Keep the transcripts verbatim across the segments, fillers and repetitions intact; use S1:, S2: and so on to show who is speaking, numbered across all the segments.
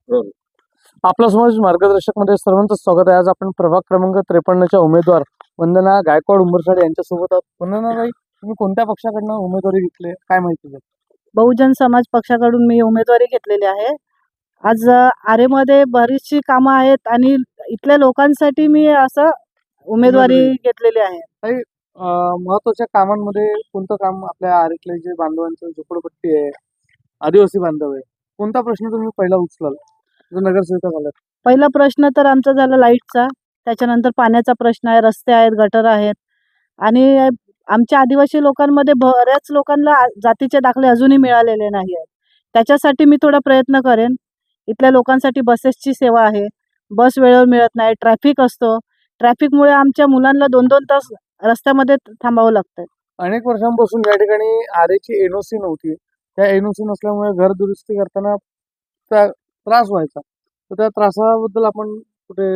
S1: बरोबर. आपला समाज मार्गदर्शक मध्ये सर्वांचं स्वागत आहे. आज आपण प्रभाग क्रमांक त्रेपन्नच्या उमेदवार वंदना गायकवाड उंबरसाडे यांच्यासोबत आहोत. वंदनाताई, तुम्ही कोणत्या पक्षाकडनं उमेदवारी घेतली, काय माहिती द्या?
S2: बहुजन समाज पक्षाकडून मी उमेदवारी घेतलेली आहे. आज अ, आरेमध्ये बरीचशी कामं आहेत आणि इथल्या लोकांसाठी मी असं उमेदवारी
S1: उमेदवारी.
S2: घेतलेली आहे.
S1: काही अं, महत्वाच्या कामांमध्ये कोणतं काम आपल्या आरेतले जे बांधवांचं झोपडपट्टी आहे, आदिवासी बांधव आहे, कोणता प्रश्न तुम्ही पहिला उचलाल जो नगरसेविका झाला?
S2: पहिला प्रश्न तर आमचा झाला लाईटचा, त्याच्यानंतर पाण्याचा प्रश्न आहे, रस्ते आहेत, गटर आहेत आणि अ, आमच्या आदिवासी लोकांमध्ये बऱ्याच लोकांना आ- जातीचे दाखले अजूनही मिळालेले नाही आहेत. त्याच्यासाठी मी थोडा प्रयत्न करेन. इथल्या लोकांसाठी बसेसची सेवा आहे, बस वेळेवर मिळत नाही, ट्रॅफिक असतो. ट्रॅफिकमुळे आमच्या मुलांना दोन दोन तास रस्त्यामध्ये थांबावं लागतं.
S1: अनेक वर्षांपासून या ठिकाणी आरेची एनओसी नव्हती. त्या एनओसी नसल्यामुळे घर दुरुस्ती करताना त्या त्रास व्हायचा. तर त्या त्रासाबद्दल आपण कुठे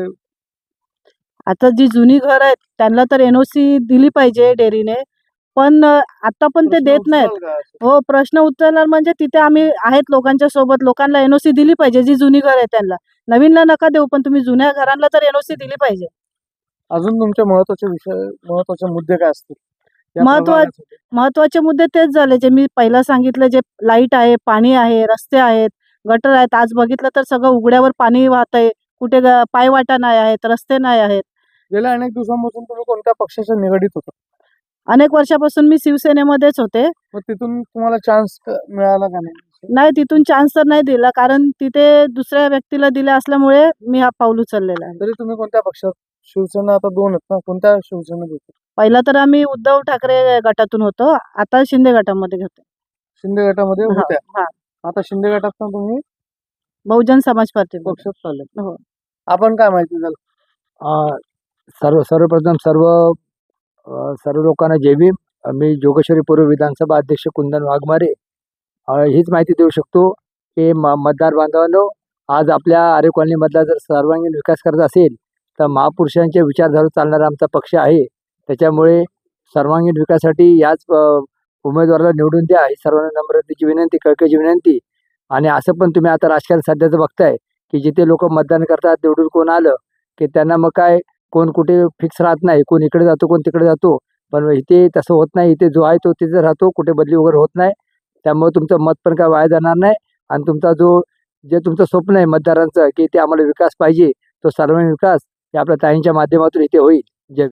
S2: आता जी जुनी घर आहेत त्यांना तर एनओसी दिली पाहिजे डेअरीने, पण अ, आता पण ते
S1: प्रश्न
S2: देत नाहीत.
S1: उचलाल का?
S2: हो, प्रश्न उचलणार म्हणजे तिथे आम्ही आहेत लोकांच्या सोबत. लोकांना एनओसी दिली पाहिजे, जी जुनी घर आहे त्यांना. नवीनला नका देऊ, पण तुम्ही जुन्या घरांना तर एनओसी दिली पाहिजे.
S1: अजून तुमचे महत्वाचे विषय, महत्वाचे मुद्दे काय असतील या
S2: महत्वा
S1: प्रभागासाठी?
S2: महत्वाचे मुद्दे तेच झाले जे मी पहिला सांगितलं, जे लाईट आहे, पाणी आहे, रस्ते आहेत, गटर आहेत. आज बघितलं तर सगळं उघड्यावर पाणी वाहतंय. कुठे ग पायवाटा नाही आहेत, रस्ते नाही आहेत.
S1: गेल्या अनेक दिवसांपासून तुम्ही कोणत्या पक्षाच्या निगडीत होता?
S2: अनेक वर्षापासून मी शिवसेनेमध्येच होते.
S1: मग तिथून तुम्हाला चान्स मिळाला का नाही?
S2: नाही, तिथून चान्स तर नाही दिला, कारण तिथे दुसऱ्या व्यक्तीला दिला असल्यामुळे मी हा पाऊल उचललेला आहे.
S1: तरी तुम्ही कोणत्या पक्षात? शिवसेना आता दोन आहेत ना, कोणत्या शिवसेनेत होते?
S2: पहिला तर आम्ही उद्धव ठाकरे गटातून होतो, आता शिंदे गटामध्ये घेतो.
S1: शिंदे गटामध्ये
S2: हां,
S1: होत्या.
S2: हां.
S1: आता शिंदे गटात तुम्ही
S2: बहुजन समाज पार्टी.
S1: पक्षात चालले.
S2: हो.
S1: आपण काय माहिती द्याल?
S3: अ, सर्व सर्वप्रथम सर्व अ, सर्व लोकांना जय भीम. अ, मी जोगेश्वरी पूर्व विधानसभा अध्यक्ष कुंदन वाघमारे अ, हीच माहिती देऊ शकतो की म मतदार बांधवांनो, आज आपल्या आरे कॉलनीमधला जर सर्वांगीण विकास करायचा असेल तर महापुरुषांच्या विचारधारेवर चालणारा आमचा पक्ष आहे. त्याच्यामुळे सर्वांगीण विकासासाठी याच अ, उमेदवाराला निवडून द्या, ही सर्वांना नम्रतेची विनंती, कळकळीची विनंती. आणि असं पण तुम्ही आता राजकारण सध्याचं बघताय की जिथे लोकं मतदान करतात निवडून कोण आलं की त्यांना मग काय कोण कुठे फिक्स राहत नाही. कोण इकडे जातो, कोण तिकडे जातो. पण इथे तसं होत नाही. इथे जो आहे तो तिथे राहतो. कुठे बदली वगैरे होत नाही. त्यामुळे तुमचं मत पण काय वाया जाणार नाही. आणि तुमचा जो जे तुमचं स्वप्न आहे मतदारांचं की ते आम्हाला विकास पाहिजे, तो सर्वांगीण विकास हे आपल्या ताईंच्या माध्यमातून इथे होईल.